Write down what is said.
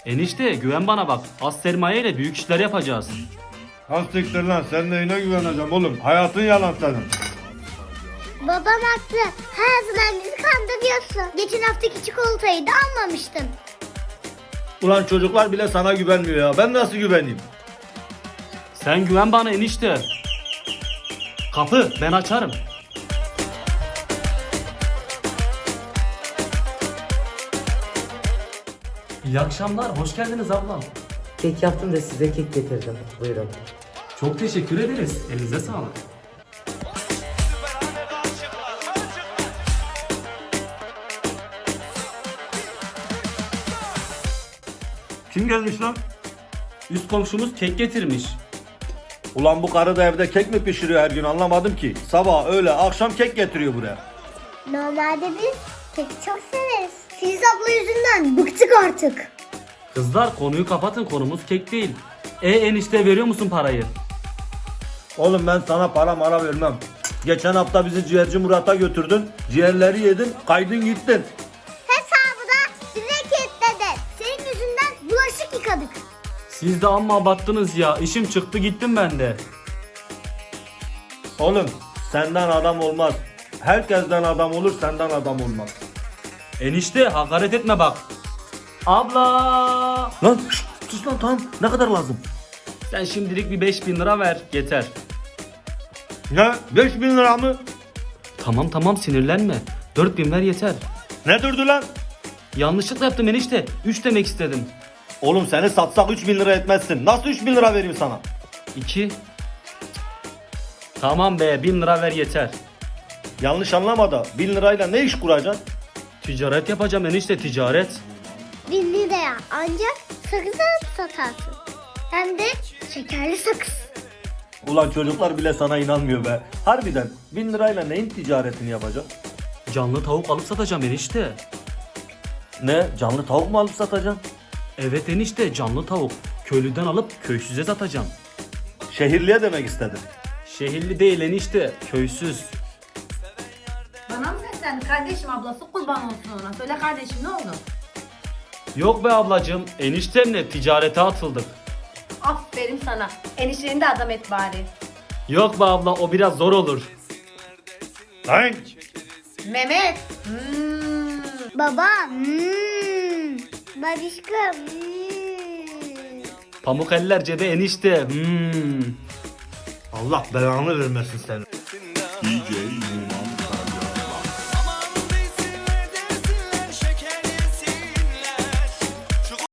Enişte güven bana bak. Az sermaye ile büyük işler yapacağız. Az siktir lan, sen neyine güveneceğim oğlum? Hayatın yalan senin. Babam haklı. Her zaman bizi kandırıyorsun. Geçen haftaki çikolatayı da almamıştın. Ulan çocuklar bile sana güvenmiyor ya. Ben nasıl güveneyim? Sen güven bana enişte. Kapı ben açarım. İyi akşamlar. Hoş geldiniz ablam. Kek yaptım da size kek getirdim. Buyurun. Çok teşekkür ederiz. Elinize sağlık. Kim gelmiş lan? Üst komşumuz kek getirmiş. Ulan bu karı da evde kek mi pişiriyor her gün, anlamadım ki. Sabah, öğle, akşam kek getiriyor buraya. Normalde biz keki çok severiz. Filiz abla yüzünden bıktık artık. Kızlar konuyu kapatın. Konumuz kek değil. Enişte veriyor musun parayı? Oğlum ben sana para mara vermem. Geçen hafta bizi ciğerci Murat'a götürdün. Ciğerleri yedin, kaydın gittin. Hesabı da bize kilitledi. Senin yüzünden bulaşık yıkadık. Siz de amma abarttınız ya. İşim çıktı gittim ben de. Oğlum senden adam olmaz. Herkesten adam olur, senden adam olmaz. Enişte hakaret etme bak. Abla. Lan şşt, sus lan, tamam. Ne kadar lazım? Sen şimdilik bir 5.000 lira ver. Yeter. Ne? 5.000 lira mı? Tamam sinirlenme. 4.000 ver yeter. Ne durdu lan? Yanlışlıkla yaptım enişte. 3 demek istedim. Oğlum seni satsak 3.000 lira etmezsin. Nasıl 3.000 lira vereyim sana? 2. Tamam be 1000 lira ver yeter. Yanlış anlama da 1000 lirayla ne iş kuracaksın? Ticaret yapacağım enişte ticaret. 1 liraya ancak sakız alıp satarsın. Hem de şekerli sakız. Ulan çocuklar bile sana inanmıyor be. Harbiden 1000 lirayla neyin ticaretini yapacaksın? Canlı tavuk alıp satacağım enişte. Ne? Canlı tavuk mu alıp satacaksın? Evet enişte canlı tavuk. Köylüden alıp köysüze satacağım. Şehirliye demek istedim. Şehirli değil enişte köysüz. Bana mı seslendi? Kardeşim ablası kurban olsun ona. Söyle kardeşim ne oldu? Yok be ablacığım eniştemle ticarete atıldık. Aferin sana. Enişteni de adam et bari. Yok be abla o biraz zor olur. Lan! Mehmet. Baba. Babişka. Pamuk eller cebe enişte. Allah belanı vermesin seni.